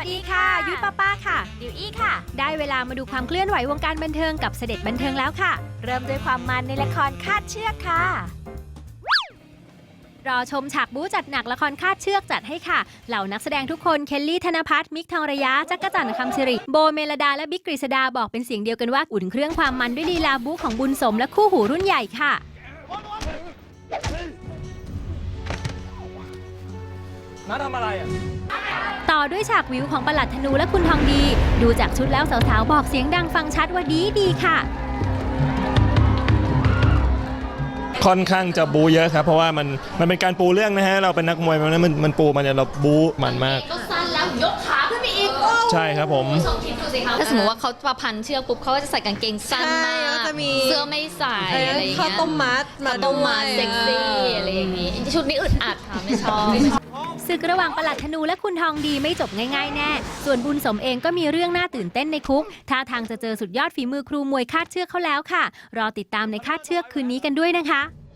ดีค่ะยุ้ยป้าค่ะดิวอี้ค่ะได้เวลามาดูความเคลื่อนไหววงการบันเทิงกับเสด็จบันเทิงแล้วค่ะเริ่มด้วยความมันในละครคาดเชือกค่ะรอชมฉากบู๊จัดหนักละครคาดเชือกจัดให้ค่ะ เหล่านักแสดงทุกคนเคลลี่ธนภัทรมิกทองระยะจักรจันทร์คำสิริโบเมลดาและบิ๊กกฤษดาบอกเป็นเสียงเดียวกันว่าอุ่นเครื่องความมันด้วยลีลาบู๊ของบุญสมและคู่หูรุ่นใหญ่ค่ะน้าทำอะไรอ่ะต่อด้วยฉากวิวของปลัดธนูและคุณทองดี ดูจากชุดแล้วสาวๆบอกเสียงดังฟังชัดว่าดีค่ะค่อนข้างจะบูเยอะครับเพราะว่ามันเป็นการปูเรื่องนะฮะเราเป็นนักมวยมันปูมันเนี่ยเราบูมันมากก็สั้นแล้วยกขาขึ้นไปอีกใช่ครับผมชมคิดดูสิคะถ้าสมมติว่าเขาประพันเชือกปุ๊บเขาก็จะใส่กางเกงสั้นมากแล้วจะมีเสื้อไม่ใส่อะไรอย่างข้าวเงี้ยต้มมัดมาข้าวต้มมัดด้วยเซ็กซี่อะไรอย่างงี้ชุดนี้อึดอัดค่ะไม่ชอบศึกระหว่างปลัดธนูและคุณทองดีไม่จบง่ายๆแน่ ส่วนบุญสมเองก็มีเรื่องน่าตื่นเต้นในคุกท่าทางจะเจอสุดยอดฝีมือครูมวยคาดเชือกเขาแล้วค่ะ รอติดตามในคาดเชือกคืนนี้กันด้วยนะคะ